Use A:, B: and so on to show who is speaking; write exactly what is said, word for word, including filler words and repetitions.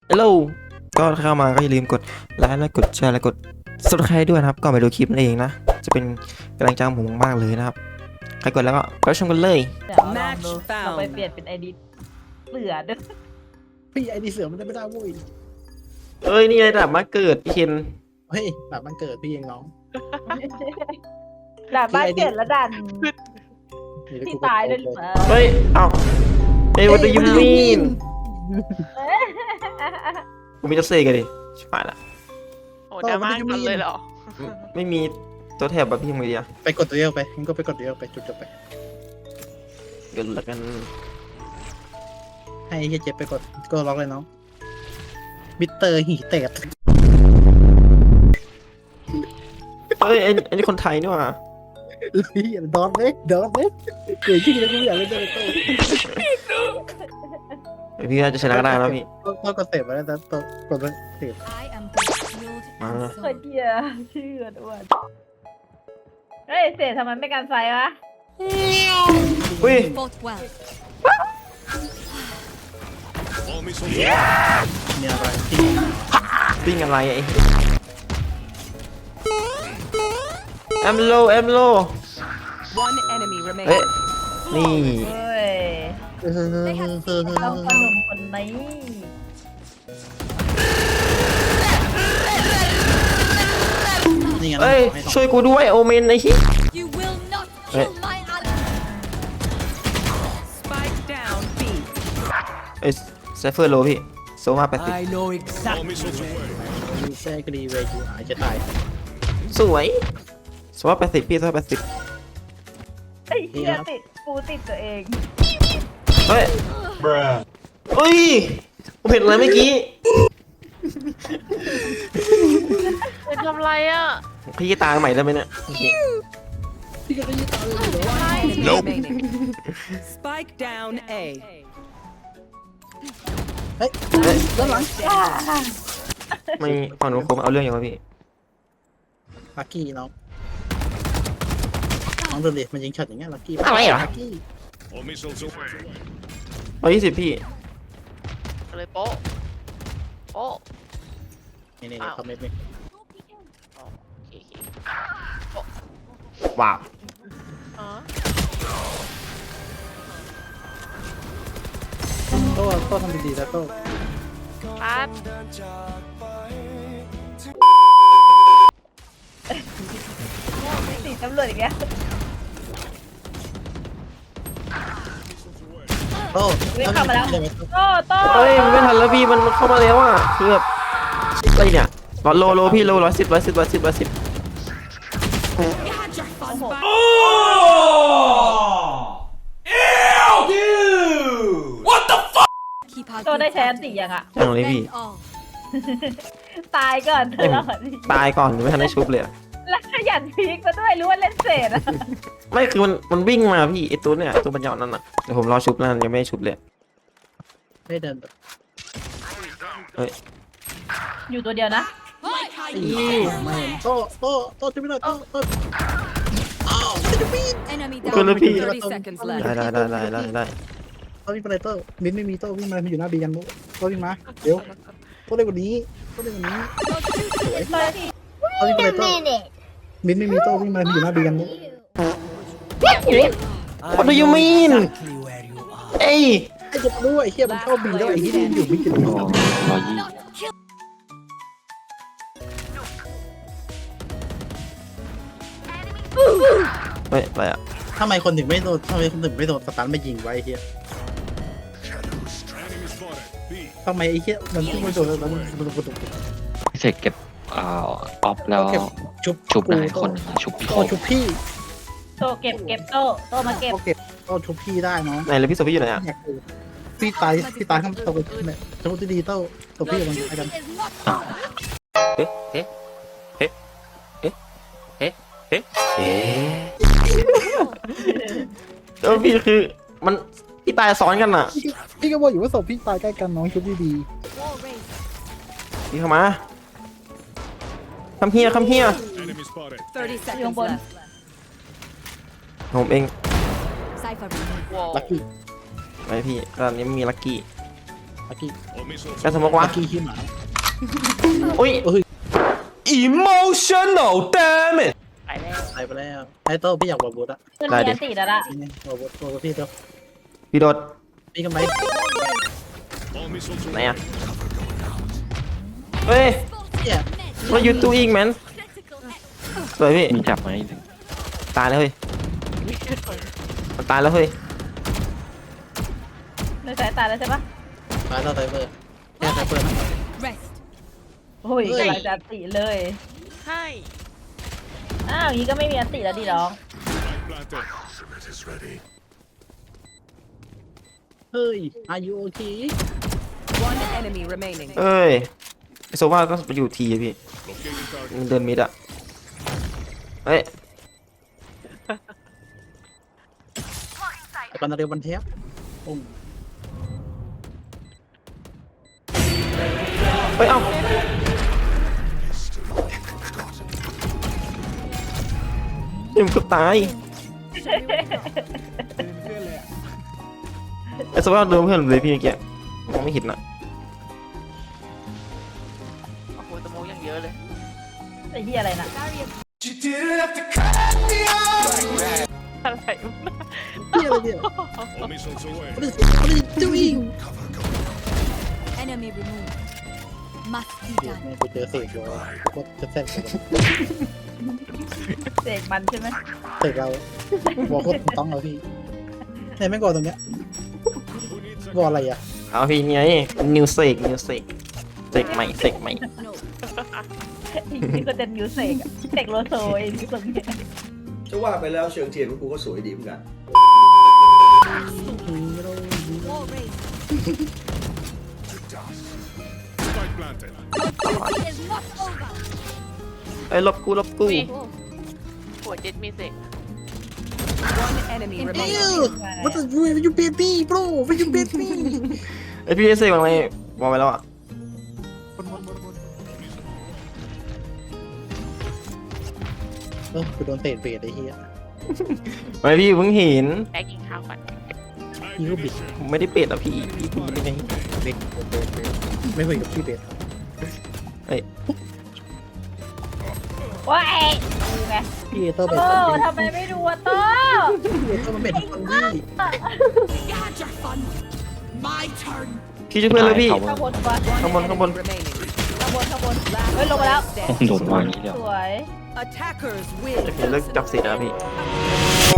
A: ฮัลโหลก็เข้ามาก็อย่าลืมกดไลค์และกดแชร์และกด Subscribe ด้วยนะครับก่อนไปดูคลิปนั่นเองนะจะเป็นกำลังใจของผมมากเลยนะครับใครกดแล้วก็ไปชมกันเลย
B: เดี๋ยวลองดูเราไปเปลี่ยนเป็นไอดีเสือด้วย
C: พี่ไอดีเสือมันจะไม่ได้เว้ย
A: เอ้ยนี่ไงดับมาเกิดพี่เคน
C: เฮ้ยแบบมันเกิดพี่เองน้อง
B: ด่านบ้านเกิดแล้วดัน
C: เดี๋ว
B: ที่
C: กู
B: ตายด้วยหรือเปล่า
A: เฮ้ยเอ้าเฮ้ย what do you mean กูมีจะเซกันดิชิบหายละ
D: โอ้ดราม่ากันเลยเหรอ
A: ไม่มีตัวแถบแบบพี่ทำไงดีอะ
C: ไปกดตัวเดียวไปงั้นก็ไปกดตัวเดียวไปจุดจบไป
A: เกิดละกัน
C: ให้เฮียเจ็บไปกดก็ล็อกเลยน้องมิเตอร์หีแตก
A: เฮ้ยไอ้ไอ้นี่คนไทยนี่หว่า
C: เฮียดอนเล็กดอนเล็กเกิดขึ้นแล้วกูอยากเล่นตัวโต้
A: เดี๋ยวพี่น่าจะชนะก็ได้แล้วพี่
C: ต้องกดเสพมาแล้วแต่ตัวกดเสพ
A: มา
B: เฮ้ยเจียชื่ออ้วนเฮ้ยเสร็จทำไมไม่กันไฟวะ
A: อุ้ย
E: Fought well.
C: มีอะไรที่
A: ปิ้งอะไรไอ้แอมโลแอมโล
E: One enemy
A: เฮ้ย
E: remaining.
A: นี่
B: เฮ้ย
C: เออเออเออเออ
B: ต้องขนมคนนี้
C: นี่ไง
A: เอ้ยช่วยกูด้วยโอเมนไอ้ที่
E: You will not
A: Hey.
E: kill my ally. Spike down B.
A: ไอ้ไซเฟอร์โลพี่โซมาแปดสิบ
E: I know exactly.
C: ยูแซ่กรีเวยูหายจะตาย
A: สวยโซมาแปดสิบพี่โซมาแปดสิบ
B: ไอ้เหี้ยติดปูติดตัวเอง
A: เฮ้ยเฮ้ยผมเห็นอะไรเมื่อกี้
D: เป็นทำไรอ่ะ
A: พี่ตายใหม่ได้ไหมเนี่ย
C: พี่ก็ได้ยินตาเลยเหรอ
E: Enemy remaining. Spike down A.
C: เฮ้ยด้านหลัง
A: ไม่ฝั่งนู้นคงเอาเรื่องอย่างวะพี่
C: ลักกี้น้องน้องดูดิมันยิงช็อตอย่างเงี้ยลักกี้
A: อะไรเหรอ
C: ลักกี้
A: ร้อยยี่สิบพี่
D: เลยโป๊ะโป๊ะ
C: นี่นี่
D: อ้าว
C: คอมเมนต์นี่
D: อ๋อโอเคโอเค
A: ว้าว
D: อ๋อ
C: โต้โต้ทำดีๆแล้วโต้
D: ปั๊บ
B: ติดตำรวจอีกแล้ว
C: โต้
B: วิ่งเข้ามาแล้ว โต้โต้
A: เฮ้ยมันไม่ทันแล้วพี่มันเข้ามาแล้วอ่ะคือแบบอะไรเนี่ยร้อยโลโลพี่โลร้อยสิบร้อยสิบร้อยสิบร้อยสิบ
B: โอ้โห
E: Keep out
B: โต้
E: your
B: ได้แชมป์
E: fire.
B: สี่ยังอะ
A: ยังเลยพี่
E: Defend all.
B: ตายก่อนตลอด
A: ตายก่อนไม่ทันได้ชุบเลยอะ
B: แล้วขยันพีกมาด้วยรู้ว่าเล่นเศษอะ
A: ไม่คือมันมันวิ่งมาพี่ไอตัวเนี่ยตัวปัญญานั่นน่ะเดี๋ยวผมรอชุบนั่นยังไม่ได้ชุบเลย
C: ไม่เดินแบบ
B: อยู่ตัวเดียวนะ
C: ไม่เห็นโต้โต้โต้จะไม่ได้โต้โต้อ้าวจะมีด
E: Enemy
A: ก็เลย
E: down.
A: พี่
E: thirty seconds
A: ได้
E: left.
A: ได้ได้ได้ได้ได้
C: โต้วิ่งไปเลยโต้มิ้นไม่มีโต้วิ่งมาอยู่หน้าบีกันโต้วิ่งมาเดี๋ยวโต้เร็วกว่านี้โต้เร็วกว่านี้
B: เลยที่
C: โต้วิ่งไปเลยโต้มิ้นไม่มีโต้วิ่งมาอยู่หน้าบีกัน
A: What do you mean เอ้ย
C: ไอ้เจ็บด้วยไอ้เหี้ยมันเข้าบีแล้วไอ้ที่มันอยู่บีกัน
A: เฮ้ยอะไรอ่ะ
C: ทำไมคนถึงไม่โดนทำไมคนถึงไม่โดนสตันมายิงไว้ไอ้เหี้ยทำไมไอ้เหี้ยมันไม่โดนแล้วมันมันมัน
F: พิเศษเก็บอ่าออฟแล้ว
C: เก็บชุบ
F: ชุบได้คนชุบพี่
C: โต้ชุบพี่
B: โต้เก็บเก็บโต้โต้มาเก็บ
C: โต้เก็บโต้ชุบพี่ได้เนาะ
A: ไหนเลยพี่โซพี่อยู่ไหนอ่ะ
C: พี่ตายพี่ตายข้างตัวเนี่ยสมมติดีโต้ตัวพี่มันไอ้ดำ
A: เอ๊ะเอ๊ะเอ๊ะเอ๊ะเอ๊ะเอ๊ะเอ๊ะแล้วพี่คือมันพี่ตายซ้อนกันอ่ะ
C: พี่ก็บอกอยู่ว่าศพพี่ตายใกล้กันน้องชุบดี
E: Wall raised.
A: พี่เข้ามาคำเฮียคำเฮีย
E: thirty
B: อยู่
E: seconds
B: บน
E: left.
A: ผมเอง
E: Cypher removed.
D: ว้าว
C: ๆลักกี้
A: ไปพี่ตอนนี้มีลักกี้
C: อากี้
A: การสมมติว่า
C: อากี้ขี้หมา
A: อุ้ย
G: Emotional damn it
D: ไปแล้ว
C: ตายไปแล้วไอ้โต้พี่อยากบอกบูดอะ
B: ขึ้นมีอันติแล้วละ
C: นี่ไงบอกบูดบอกพี่เดี๋ยว
A: พี่โดด
C: พี่กันไหม
A: ไหนอะเฮ้ย
C: เนี่ย
A: what you doing man สวยพี่
F: มีจับไหม
A: ตายแล้วเฮ้ยมันตายแล้วเฮ้ย
B: ในสายตาแล้วใช่ปะ
C: ตายแล้วไซเบอร์แค่ไซเบอร์นะ
E: Rest.
B: โอ้ยกำลังจะอันติเลย
D: ให้
B: อ้าวอย่างนี้ก็ไม่มีอันติแล้วดิน้อง
C: เฮ้ย are you okay
E: One enemy remaining.
A: เอ้ยไอโซว่าก็ไปอยู่ทีอะพี่มันเดินมิดอะเฮ้ย
C: ไอ้กันนาเรวันเทียบปุ้ง
A: เฮ้ยเอ้านี่มันเกือบตายไอโซว่าโดนเพื่อนเลยพี่เมื่อกี้มองไม่เห็นอะ
D: โอ้โหตะโมยังเยอะเลย
B: ไอ้เหี้ยอะไรน่ะ
D: อะไรวะ
C: เฮียอะไรเนี่ย What is what is doing
E: Enemy removed. Must be
C: เดี๋ยว
E: done.
C: แม่งไปเจอเสกอยู่ก็จะแทรกกัน
B: เสกมันใช่ไหม
C: เสกเราบอกโคตรต้องเราพี่ไหนแม่งก่อนตรงเนี้ยบอกอะไรอ่ะ
A: เอาพี่ไงนิวเซกนิวเซกเซกใหม่เซกใหม่
B: อีกทีก็จะมิวเสกอะเสกโลโซเองที่ตรงเนี้ย
G: จะว่าไปแล้วเชิงเทียนของกูก็สวยดีเหมือนกัน
E: Wall raised. Is not over.
A: ไอ้ยลบกูลบกู
D: อุ้ยหัวเจ็ดมีเสก
E: One enemy
C: เอ้
E: remaining.
C: ย what is you you baby bro what you baby
A: ไอพี่เซกบางไรบอกไปแล้วอะ
C: เออกูโดนเตะเบรดไอ้เหี้ย
A: ไม่พี่เพิ่งเห็น
D: แป๊กกินข้าวก่อน
C: ยี่ก็บิด
A: ผมไม่ได้เป็ดอ่ะพี่พี่พูดได้ไง
C: เบรดเบรดเบรดไม่คุยกับพี่เบรด
B: ว้ายดูไง
C: พี่เอเตอร์เบรด
B: โอ้ทำไมไม่ดูอะโต้
C: พี่เอเตอร์มันเบรดทุกคนพี่
E: Had your fun. My turn.
A: พี่ช่วยเพื่อนเลยพี่
B: ข้างบนปะ
A: ข้างบนข้างบน
E: Remaining.
B: ข้างบนข้างบนเฮ้ยลงมาแล้ว
F: โดนวางอย่างนี้เดียว
B: สวย
E: Attackers
A: จะ
E: win.
A: เห็นเลิกจับสิทธิ์นะพี่